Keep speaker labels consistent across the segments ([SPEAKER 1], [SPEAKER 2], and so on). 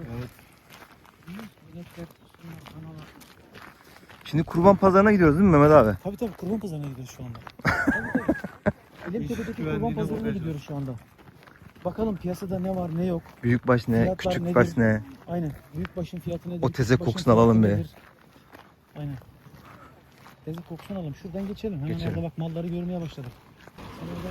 [SPEAKER 1] Evet.
[SPEAKER 2] Şimdi kurban pazarına gidiyoruz değil mi Mehmet abi?
[SPEAKER 1] Tabii kurban pazarına gidiyoruz şu anda. Elimtepe'deki kurban pazarına gidiyoruz şu anda. Bakalım piyasada ne var ne yok.
[SPEAKER 2] Büyükbaş ne,
[SPEAKER 1] Fiyatlar
[SPEAKER 2] küçükbaş
[SPEAKER 1] nedir?
[SPEAKER 2] ne?
[SPEAKER 1] Aynen. Büyükbaşın fiyatı nedir?
[SPEAKER 2] O teze
[SPEAKER 1] küçükbaşın
[SPEAKER 2] kokusunu
[SPEAKER 1] fiyatı
[SPEAKER 2] alalım be.
[SPEAKER 1] nedir? Aynen. Teze kokusunu alalım. Şuradan geçelim. Hemen
[SPEAKER 2] Geçelim.
[SPEAKER 1] orada bak malları görmeye başladık. Sen oradan...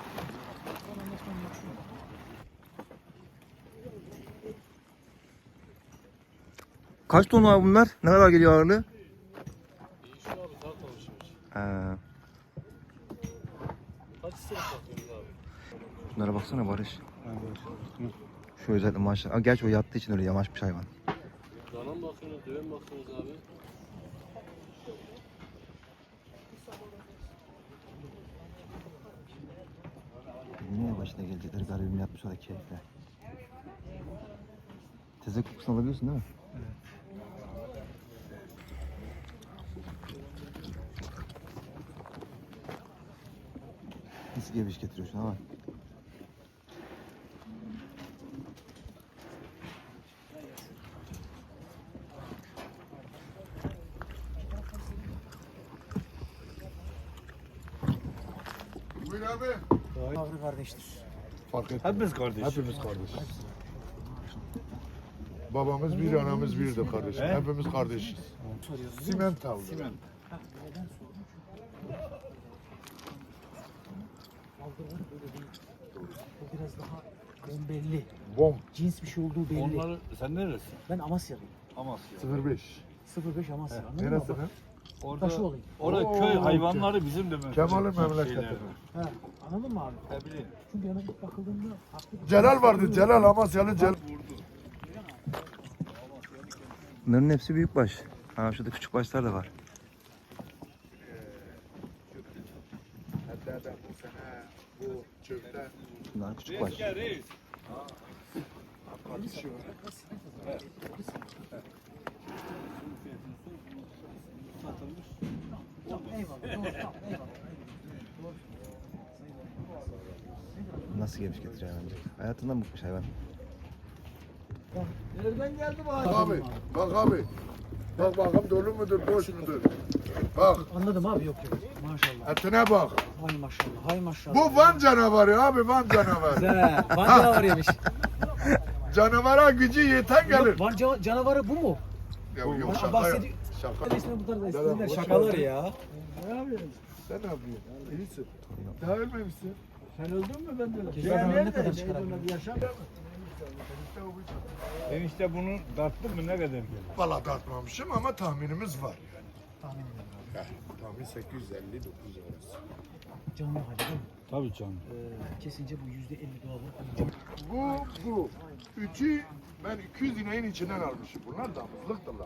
[SPEAKER 2] Kaç ton var bunlar? Ne kadar geliyor ağırlığı?
[SPEAKER 3] Değişiyor abi, taraf alışveriş.
[SPEAKER 2] Ha.
[SPEAKER 3] Kaç sene satıyoruz abi?
[SPEAKER 2] Bunlara baksana Barış. Şu özellikle maşallah. Aa, gerçi o yattığı için öyle yamaç bir hayvan.
[SPEAKER 3] Dana mı bakıyorsunuz, deve mi bakıyorsunuz abi?
[SPEAKER 2] Niye başına gelecekler garibim yapmışlar keyifle. Teze kokusunu alabiliyorsun değil mi? Nasıl geviş getiriyorsun ama?
[SPEAKER 4] Buyur abi.
[SPEAKER 1] Ağrı kardeştir.
[SPEAKER 4] Fark et.
[SPEAKER 5] Hepimiz kardeş.
[SPEAKER 4] Hepimiz kardeş. Babamız bir, anamız bir de kardeşim. Hepimiz kardeşiz. Simental.
[SPEAKER 1] Aldırlar böyle değil. Bu biraz daha bombelli.
[SPEAKER 4] Bom
[SPEAKER 1] Cins bir şey olduğu belli.
[SPEAKER 5] Onları sen neresin?
[SPEAKER 1] Ben Amasyalıyım.
[SPEAKER 5] Amasya.
[SPEAKER 4] 05.
[SPEAKER 1] 05 Amasya. Anladın mı?
[SPEAKER 4] Neresi
[SPEAKER 1] Bak,
[SPEAKER 4] lan?
[SPEAKER 5] Orada
[SPEAKER 1] Taşı olayım.
[SPEAKER 5] orada
[SPEAKER 4] Oo,
[SPEAKER 5] köy hayvanları bizim de
[SPEAKER 4] Kemal'in memleketi.
[SPEAKER 5] şeyler.
[SPEAKER 1] He, anladın mı abi?
[SPEAKER 5] Ne bileyim.
[SPEAKER 1] Çünkü yana ilk bakıldığında farklı bir
[SPEAKER 4] Celal vardı. Celal Amasyalı Celal.
[SPEAKER 2] Bunların hepsi büyükbaş. Ha şurada küçükbaşlar da var. Bunlar küçükbaş. Nasıl geviş getiriyor bence? Hayatından bıkmış hayvan.
[SPEAKER 1] Nereden geldi bu
[SPEAKER 4] Bak abi. Bak abi. Bak bakalım dolu mudur, boş mudur? Bak.
[SPEAKER 1] Anladım abi yok. Maşallah.
[SPEAKER 4] Etine bak.
[SPEAKER 1] Hay maşallah. Hay maşallah.
[SPEAKER 4] Bu Van canavarı abi, Van canavarı.
[SPEAKER 1] Güzel. Van canavarı yemiş.
[SPEAKER 4] Canavara gücü yeten gelir.
[SPEAKER 1] Van canavarı bu mu?
[SPEAKER 4] Ya yok şaka ya.
[SPEAKER 1] Bahsediyor.
[SPEAKER 4] Şaka.
[SPEAKER 1] İsmi bu tarzda
[SPEAKER 4] Dedem,
[SPEAKER 1] isimler
[SPEAKER 4] hoş
[SPEAKER 1] şakalar
[SPEAKER 4] geldin.
[SPEAKER 1] ya.
[SPEAKER 4] Ne yapıyorsun? Sen ne yapıyorsun? İyisin. Daha ölmemişsin.
[SPEAKER 1] Sen öldün mü ben de öldüm.
[SPEAKER 4] Ya
[SPEAKER 1] Keşke ne kadar
[SPEAKER 4] nerede?
[SPEAKER 1] çıkarabilirim.
[SPEAKER 5] Enişte bunu darttın mı ne kadar gelir?
[SPEAKER 4] Valla tartmamışım ama tahminimiz var.
[SPEAKER 1] Tahmin ediyorum.
[SPEAKER 4] Tahmin 850-900 arası.
[SPEAKER 1] Canlı hali değil mi?
[SPEAKER 5] Tabii canım.
[SPEAKER 1] Kesince bu %50 doğal.
[SPEAKER 4] Bu. Üçü ben 200 ineğin içinden almışım. Bunlar damızlıktırlar.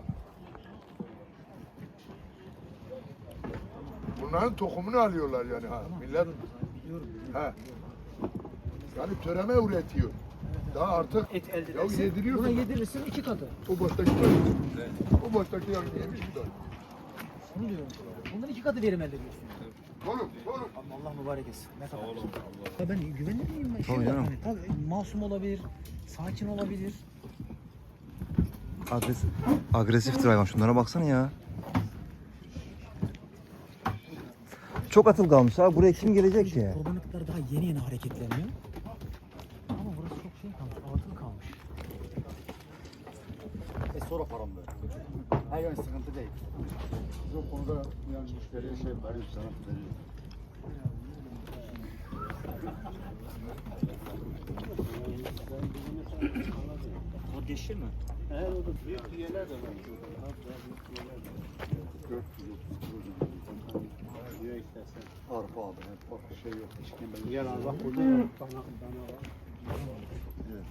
[SPEAKER 4] Bunların tohumunu alıyorlar yani ha. Millet ha. Yani töreme üretiyor. Daha artık
[SPEAKER 1] Et elde
[SPEAKER 4] ya
[SPEAKER 1] edersin.
[SPEAKER 4] yediriyorsun.
[SPEAKER 1] Buna yedirirsin 2 katı.
[SPEAKER 4] O baştaki var. O baştaki yani yemiş bir tane.
[SPEAKER 1] Onu diyorum. Bundan 2 katı verim elde ediyorsun.
[SPEAKER 4] Oğlum.
[SPEAKER 1] Allah mübarek etsin. Ne kadar güzel. Ya ben güvenli miyim?
[SPEAKER 2] Tabii
[SPEAKER 1] var
[SPEAKER 2] canım.
[SPEAKER 1] hani, tabii masum olabilir, sakin olabilir.
[SPEAKER 2] Agresiftir hayvan. Şunlara baksana ya. Çok atıl kalmış abi. Buraya kim gelecek ki?
[SPEAKER 1] Kurbanlıklar daha yeni hareketleniyor. Ama burası çok şey kalmış, atıl kalmış.
[SPEAKER 6] Sonra param ver. Hayır sıkıntı değil. Biz o konuda yani müşteriye şey veriyoruz sana veriyoruz.
[SPEAKER 1] O dişi mi?
[SPEAKER 6] Evet o da büyük üyeler de var. 430 diye istersen. Arpa abi, farklı şey yok. Yer al bak burada bana var. Evet.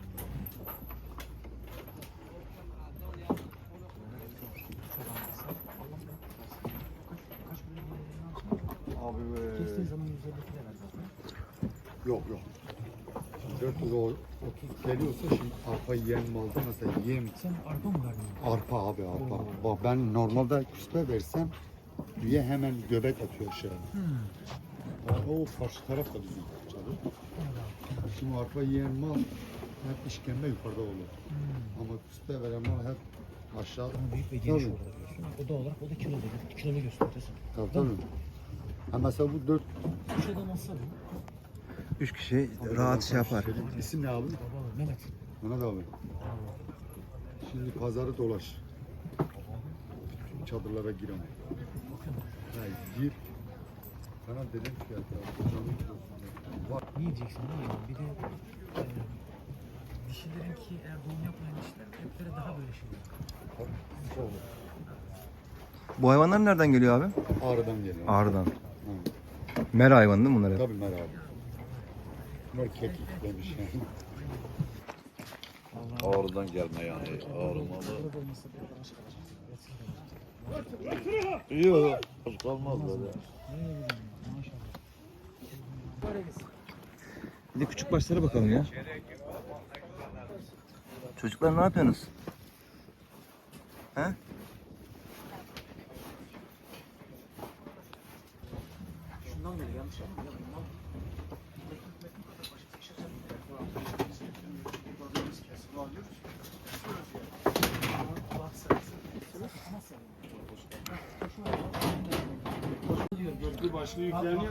[SPEAKER 6] Abi
[SPEAKER 1] Kestiğin zaman 150 kilo ver zaten.
[SPEAKER 6] yok. 430 geliyorsa şimdi arpa yiyen malda mesela yem
[SPEAKER 1] Sen arpa mı vermiyorsun?
[SPEAKER 6] arpa abi arpa. Bak ben normalde küspe versem üye hemen göbek atıyor aşağı. O karşı taraf da bizim çadır. Şimdi arpa yiyen mal hep işkembe yukarıda olur. Ama üstte veren mal hep aşağı.
[SPEAKER 1] Ama büyük ve geniş
[SPEAKER 6] Tabii.
[SPEAKER 1] olur diyorsun. O da olarak o da kilolu. Kilolu gösteriyorsun.
[SPEAKER 6] Tabii. Ha mesela bu 4
[SPEAKER 1] Kuşada nasıl bu?
[SPEAKER 2] 3 kişi rahat şey yapar.
[SPEAKER 6] İsim ne abi?
[SPEAKER 1] Baba Mehmet.
[SPEAKER 6] Mehmet abi. Şimdi pazarı dolaş. Bütün çadırlara gir ama. Ha, gir. Sana dedim ki ya canlı kilosu.
[SPEAKER 1] Ne yiyeceksin değil mi? Bir de dişilerinki eğer doğum yapmayan dişiler etlere daha böyle şey oluyor.
[SPEAKER 2] Bu hayvanlar nereden geliyor abi?
[SPEAKER 6] Ağrı'dan geliyor.
[SPEAKER 2] Ağrı'dan.
[SPEAKER 6] Ha.
[SPEAKER 2] Mera hayvanı değil mi bunlar hep?
[SPEAKER 6] Tabii Mer abi. Bunlar kekik demiş yani.
[SPEAKER 5] Ağrı'dan gelme yani. Ağrı malı. Yok. Kalmaz böyle.
[SPEAKER 2] Bir de küçük başlara bakalım ya. Çocuklar ne yapıyorsunuz? He?
[SPEAKER 1] Şundan beri yanlış anlamadım.
[SPEAKER 5] Bir başlı yükleniyor.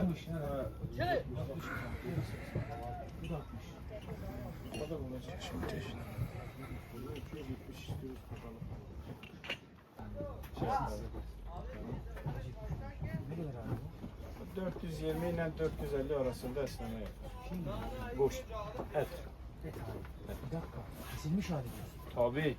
[SPEAKER 1] Ne kadar abi?
[SPEAKER 5] 420 ile 450 arasında esneme yapar. Boş. Et.
[SPEAKER 1] Evet abi. Bir dakika. Kesilmiş hali diyorsun.
[SPEAKER 5] Tabii.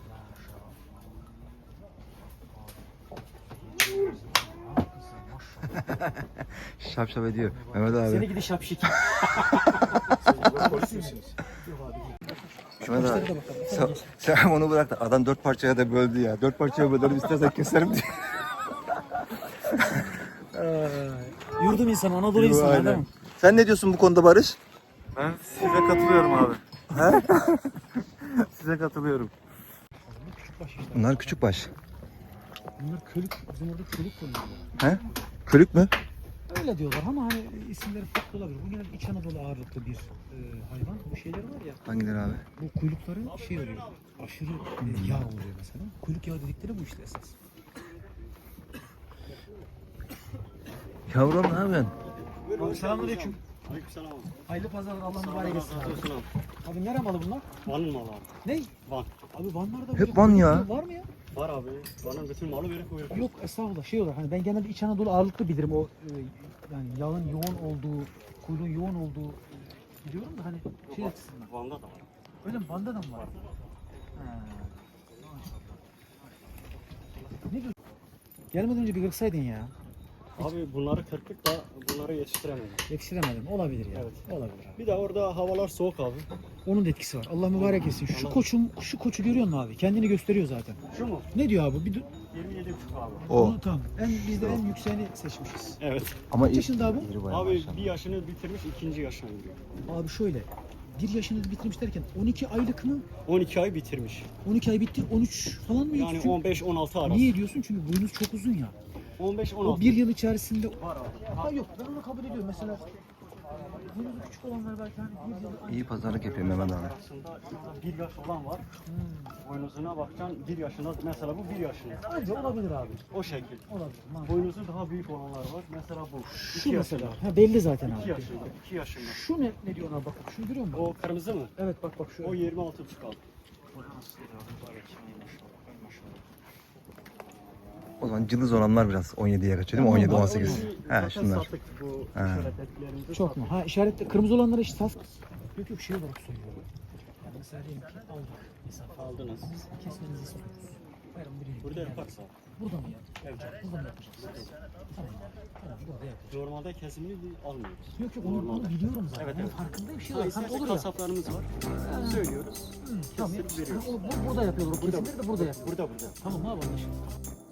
[SPEAKER 1] Haklısın maşallah.
[SPEAKER 2] Şap şap ediyor. Mehmet abi.
[SPEAKER 1] Seni gidi şapşik.
[SPEAKER 5] Polis misiniz?
[SPEAKER 2] Mehmet abi. Sen onu bırak da adam 4 parçaya da böldü ya. 4 parçaya bölerim istersen keserim diye.
[SPEAKER 1] Yurdum insanı, Anadolu insanı
[SPEAKER 2] Aynen.
[SPEAKER 1] değil mi?
[SPEAKER 2] Sen ne diyorsun bu konuda Barış?
[SPEAKER 5] Ben size katılıyorum abi. Size katılıyorum.
[SPEAKER 1] Küçük baş işte.
[SPEAKER 2] Bunlar küçük baş.
[SPEAKER 1] Bunlar kölük. Bizim orada kölük konuyorlar.
[SPEAKER 2] He? Kölük mü?
[SPEAKER 1] Öyle diyorlar ama hani isimleri farklı olabilir. Bu genelde İç Anadolu ağırlıklı bir hayvan. Bu şeyler var ya.
[SPEAKER 2] Hangileri abi?
[SPEAKER 1] Bu kuyrukları şey oluyor. Aşırı yağ oluyor mesela. Kuyruk yağı dedikleri bu işte esas.
[SPEAKER 2] Yavrum ne yapıyorsun?
[SPEAKER 1] Abi selamünaleyküm. Aleykümselam. Hayırlı pazarlar, Allah mübarek etsin. Abi nere malı bunlar?
[SPEAKER 7] Van'ın malı abi.
[SPEAKER 1] Ne?
[SPEAKER 7] Van.
[SPEAKER 1] Abi Vanlarda
[SPEAKER 2] Hep
[SPEAKER 1] böyle
[SPEAKER 2] Van
[SPEAKER 1] kuyruk
[SPEAKER 2] ya.
[SPEAKER 1] yağı var mı ya?
[SPEAKER 7] Var abi. Van'ın bütün malı böyle kuyruk.
[SPEAKER 1] Yok estağfurullah şey olur. Hani ben genelde İç Anadolu ağırlıklı bilirim o yani yağın yoğun olduğu, kuyruğun yoğun olduğu biliyorum da hani şey açısından.
[SPEAKER 7] Van'da da var.
[SPEAKER 1] Öyle mi? Van'da da mı var? Ha. Ne diyorsun? Gelmeden önce bir kırsaydın ya.
[SPEAKER 7] Abi bunları kırpıp da bunları yetiştiremedim.
[SPEAKER 1] Yetiştiremedim. Olabilir ya.
[SPEAKER 7] Evet.
[SPEAKER 1] Olabilir abi.
[SPEAKER 7] Bir de orada havalar soğuk abi.
[SPEAKER 1] Onun da etkisi var. Allah mübarek etsin. Şu koçum, şu koçu görüyor musun abi? Kendini gösteriyor zaten.
[SPEAKER 7] Şu mu?
[SPEAKER 1] Ne diyor abi? Bir
[SPEAKER 7] 27,5 abi.
[SPEAKER 2] O.
[SPEAKER 1] Onu tamam. Biz de en yükseğini seçmişiz.
[SPEAKER 7] Evet.
[SPEAKER 2] Ama
[SPEAKER 1] Kaç yaşında abi?
[SPEAKER 2] iri bayağı
[SPEAKER 7] Abi
[SPEAKER 2] maşallah.
[SPEAKER 7] bir yaşını bitirmiş, ikinci yaşına giriyor.
[SPEAKER 1] Abi şöyle. Bir yaşını bitirmiş derken 12 aylık mı?
[SPEAKER 7] 12 ay bitirmiş.
[SPEAKER 1] 12 ay bitti. 13 falan mı?
[SPEAKER 7] Yani
[SPEAKER 1] Çünkü-
[SPEAKER 7] 15-16 arası.
[SPEAKER 1] Niye diyorsun? Çünkü boynuz çok uzun ya.
[SPEAKER 7] 15-16.
[SPEAKER 1] O bir yıl içerisinde... Var abi. Ha yok ben onu kabul ediyorum. Mesela boynuzu küçük olanlar belki hani bir yıl...
[SPEAKER 2] İyi pazarlık yapıyor Mehmet abi.
[SPEAKER 7] Arasında bir yaş olan var. Boynuzuna bakacaksın 1 yaşında. Mesela bu 1 yaşında.
[SPEAKER 1] Anca olabilir abi.
[SPEAKER 7] O şekil.
[SPEAKER 1] Olabilir. mantıklı.
[SPEAKER 7] Boynuzu daha büyük olanlar var. Mesela bu.
[SPEAKER 1] Şu
[SPEAKER 7] 2
[SPEAKER 1] mesela.
[SPEAKER 7] yaşında.
[SPEAKER 1] Ha belli zaten
[SPEAKER 7] 2
[SPEAKER 1] abi.
[SPEAKER 7] yaşında. 2 yaşında.
[SPEAKER 1] Şu ne diyor ona bak. Şunu görüyor musun?
[SPEAKER 7] O kırmızı mı?
[SPEAKER 1] Evet bak şu.
[SPEAKER 7] O 26 kaldı.
[SPEAKER 2] O zaman cılız olanlar biraz 17'ye kaçıyor değil mi? 17 18. He şunlar.
[SPEAKER 7] Sattık bu
[SPEAKER 2] He.
[SPEAKER 7] işaretlerimizi.
[SPEAKER 1] Çok mu? Ha işaretli kırmızı olanları işte saf. Yok yok şey olarak söylüyorum. Yani mesela diyelim ki aldık. Mesela
[SPEAKER 7] Aldınız.
[SPEAKER 1] kesmenizi istiyoruz. Bayram birinci.
[SPEAKER 7] Burada yaparsa.
[SPEAKER 1] Burada mı yapacağız? Evet. Burada mı yapacağız? Tamam abi. Tamam burada yapacağız.
[SPEAKER 7] Normalde kesimini almıyoruz.
[SPEAKER 1] Yok yok onu biliyorum zaten.
[SPEAKER 7] Evet,
[SPEAKER 1] Onun
[SPEAKER 7] evet.
[SPEAKER 1] farkındayım. Şey olarak hani olur ya.
[SPEAKER 7] Kasaplarımız var. Söylüyoruz.
[SPEAKER 1] Tamam.
[SPEAKER 7] Kestirip veriyoruz.
[SPEAKER 1] Burada yapıyorlar. O kesimleri de burada yapıyorlar.
[SPEAKER 7] Burada.
[SPEAKER 1] Tamam abi anlaşıldı.